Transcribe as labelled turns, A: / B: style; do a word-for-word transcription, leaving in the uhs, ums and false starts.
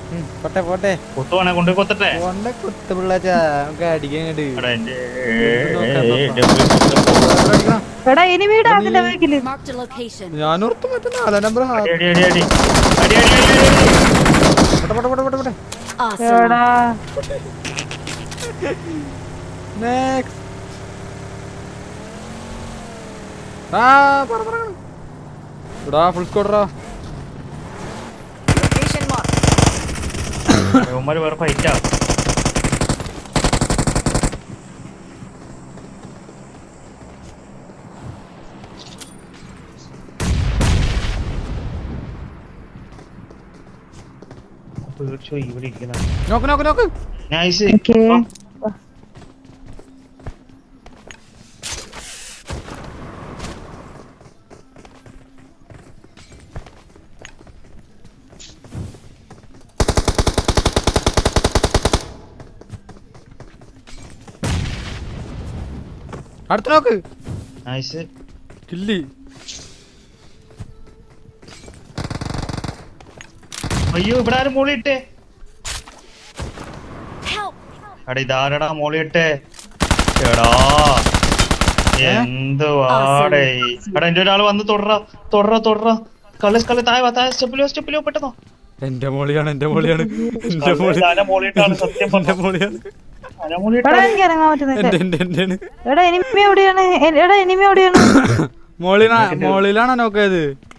A: പോട്ടെ പോട്ടെ
B: കൊത്തുവാണെ കൊണ്ട് കൊത്തട്ടെ
A: കൊണ്ട കുത്ത് പിള്ളാച്ചാ നമുക്ക് അടിക്കാൻ ഞാനോർത്ത് മറ്റേ നാലാം നമ്പർ ഫുൾ സ്കോഡറാ
B: വേറെ ഫൈറ്റാ ഇവിടെ ഇരിക്കുന്ന
A: നോക്ക് നോക്ക് നോക്ക്
B: നൈസ്
A: അടുത്ത നോക്ക്
B: നൈസ്
A: കില്ലി
B: അയ്യോ ഇവിടെ ആരും മോളിയിട്ടേ എടാ ഇതാരടാ മോളിയിട്ടേ എടാ എന്തുവാടേ എടാ എന്റെ ഒരാൾ വന്ന് തൊടറ തൊടറ തൊടറ കളി കളി താഴെ താഴെ സ്റ്റെപ്പിലോ സ്റ്റെപ്പിലോ പെട്ടെന്നോ
A: എന്റെ മോളിയാണ് എന്റെ മോളിയാണ് എന്റെ
B: മോളിയിട്ടാണ് സത്യം
A: എന്റെ മോളിയാണ് മോളിലാ മോളിലാണോ നോക്കിയത്